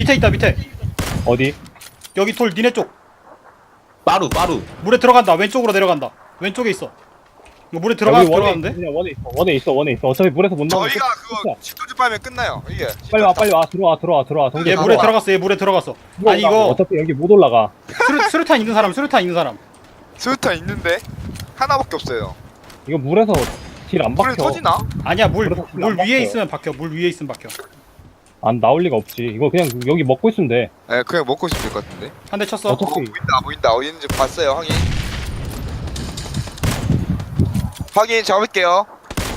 밑에 있다 밑에. 어디? 여기 돌 니네 쪽. 빠루 물에 들어간다. 왼쪽으로 내려간다. 왼쪽에 있어. 이거 물에 여기 들어가는데? 그냥 원에 있어. 어차피 물에서 못 나오면 저희가 그거 식도주 빨면 끝나요. 이게. 빨리 와. 들어와. 정신 얘 차려. 물에 들어갔어. 얘 물에 들어갔어. 아니 이거 어차피 여기 못 올라가. 수류탄 있는 사람. 스루탄 있는데 하나밖에 없어요. 이거 물에서 딜 안 불에 박혀. 터지나? 아니야 물 그래서 물 안 위에 박혀요. 있으면 박혀. 물 위에 있으면 박혀. 안 나올 리가 없지. 이거 그냥 여기 먹고 있으면 돼. 네, 그냥 먹고 있으면 될 것 같은데. 한 대 쳤어. 어차피 보인다. 어디 있는지 봤어요. 확인 잡을게요.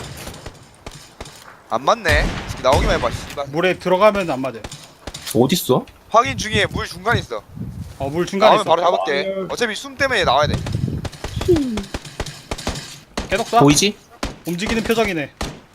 안 맞네. 나오기만 해봐. 씨발. 물에 들어가면 안 맞아. 어딨어? 확인 중에 물 중간에 있어. 물 중간에 나오면 있어. 바로 잡을게. 아유. 어차피 숨 때문에 나와야 돼. 계속 쏴. 보이지? 움직이는 표정이네.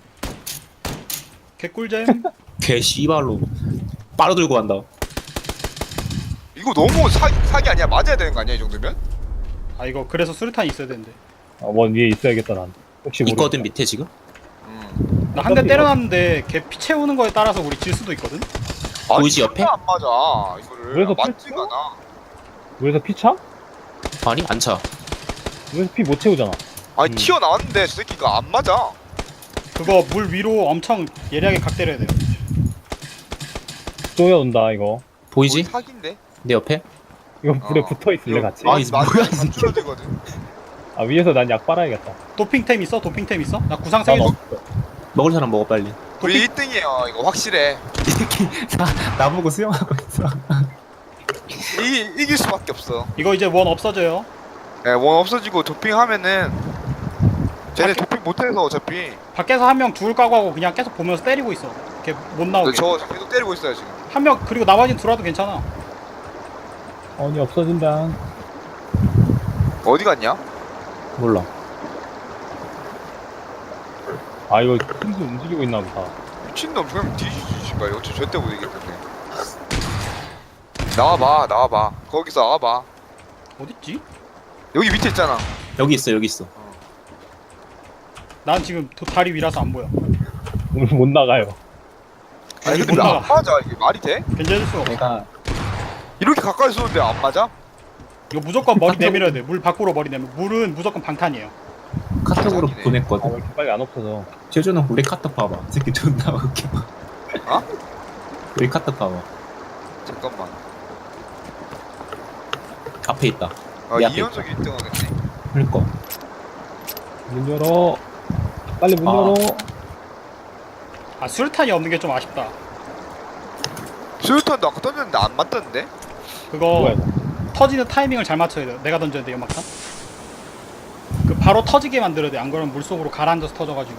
개꿀잼. 개 씨발로 빠루 들고 간다. 이거 너무 사기 아니야? 맞아야 되는 거 아니야? 이 정도면? 아 이거 그래서 수류탄이 있어야 되는데. 원 위에 있어야겠다 난. 혹시 있거든 모르니까. 밑에 지금? 나 한 대 때려놨는데 걔 피 채우는 거에 따라서 우리 질 수도 있거든. 보이지, 아니, 옆에? 안 맞아. 이거를. 그래서 맞지가 않아. 물에서 피 차? 아니 안 차. 물에서 피 못 채우잖아. 아니 튀어나왔는데 저 새끼가 안 맞아. 그거 물 위로 엄청 예리하게 각 때려야 돼요. 쪼여온다 이거. 보이지? 사기인데? 내 옆에? 이거 물에 붙어 있을래 같이. 아, 이 뭐야, 맞으면 진짜. 줄어들거든. 아 위에서 난 약 빨아야겠다. 도핑템 있어? 나 구상 난 3개 줘. 없어. 먹을 사람 먹어 빨리. 우리 1등이에요. 이거 확실해. 이 새끼 나보고 수영하고 있어. 이길 수밖에 없어. 이거 이제 원 없어져요. 예, 원 없어지고 도핑하면은 쟤네 도핑 못해서 어차피 밖에서 한 명 둘 까고 하고 그냥 계속 보면서 때리고 있어. 걔 못 나오게. 저 계속 때리고 있어요 지금. 한 명 그리고 나머지는 들어와도 괜찮아. 언이 없어진다. 어디 갔냐? 몰라. 아 이거 힘도 움직이고 있나 보다. 미친놈 그냥 뒤지지 씨발. 어차피 절대 못 이기겠네. 나와봐. 거기서 나와봐. 어딨지? 여기 밑에 있잖아. 여기 있어. 난 지금 다리 위라서 안 보여. 오늘 못 나가요. 아니 근데 못 왜 안 나가. 맞아? 이게 말이 돼? 견제해줄 수가 없어. 내가 이렇게 가까이 쏘는데 안 맞아? 이거 무조건 머리 내밀어야 돼. 물 밖으로 머리 내밀. 물은 무조건 방탄이에요. 카톡으로 자기네. 아, 왜 보냈거든. 이렇게 빨리 안 없어져. 제주는 우리 카톡 봐봐. 이 새끼 존나 웃겨. 어? 우리 카톡 봐봐. 잠깐만. 앞에 있다. 이 앞에 연속 1등 하겠네. 그러니까. 문 열어. 빨리 문 아. 열어. 아 수류탄이 없는 게 좀 아쉽다. 수류탄도 아까 던졌는데 안 맞던데? 그거 뭐야? 터지는 타이밍을 잘 맞춰야 돼. 내가 던져야 돼 연막탄. 그 바로 터지게 만들어야 돼. 안 그러면 물 속으로 가라앉아서 터져가지고.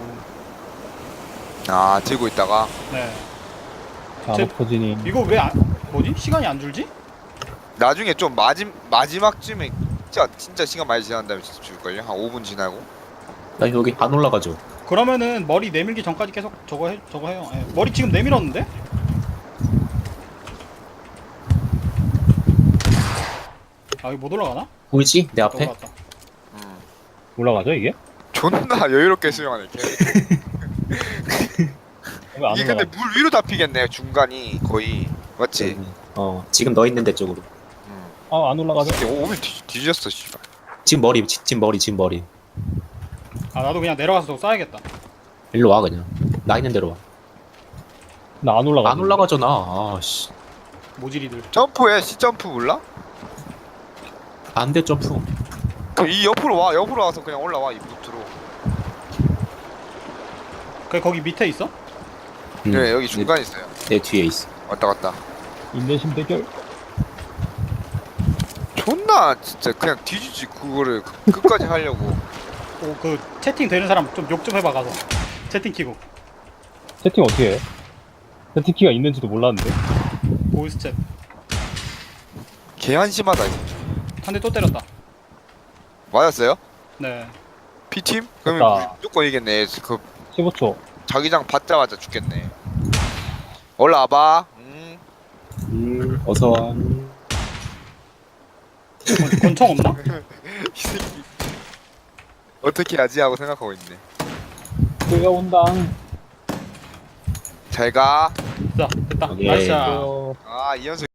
아 들고 있다가. 네. 안 터지니. 이거 왜 안? 뭐지? 시간이 안 줄지? 나중에 좀 마지막쯤에 진짜 시간 많이 지난 다음에 진짜 줄걸요? 한 5분 지나고. 나 여기 안 올라가죠. 그러면은 머리 내밀기 전까지 계속 저거 해요. 예. 머리 지금 내밀었는데? 아 이거 못 올라가나? 보이지? 내 앞에? 올라갔다. 올라가죠 이게? 존나 여유롭게 수영하네 걔. 왜 안 이게 근데 올라가? 물 위로 잡히겠네 중간이 거의. 맞지? 지금 너 있는 데 쪽으로. 아안 올라가죠? 이게 오면 뒤졌어 씨발. 지금 머리. 아 나도 그냥 내려가서 저거 쏴야겠다. 일로 와 그냥. 나 있는 데로 와. 나 안 올라가. 안 올라가잖아. 아씨. 모질이들. 점프해 C점프 몰라? 안돼 점프. 그럼 이 옆으로 와서 그냥 올라와 이 루트로. 그 거기 밑에 있어? 네 여기 중간에 있어요. 내 뒤에 있어. 왔다 갔다. 인내심 대결. 존나 진짜 그냥 뒤지지 그거를 끝까지 하려고. 그 채팅 되는 사람 좀 욕 좀 해봐 가서. 채팅 키고. 세팅 어떻게 해? 세팅키가 있는지도 몰랐는데. 보이스 챗. 개 한심하다 이거. 한 대 또 때렸다. 맞았어요? 네. P팀? 그러면 됐다. 무조건 이겠네. 그 15초. 자기장 받자마자 죽겠네. 올라와봐. 어서 와. 권총 없나? 이 새끼 어떻게 하지 하고 생각하고 있네. 내가 온다. 잘 가. 자 됐다. 오케이. 나이스 샷. 어, 아 이연속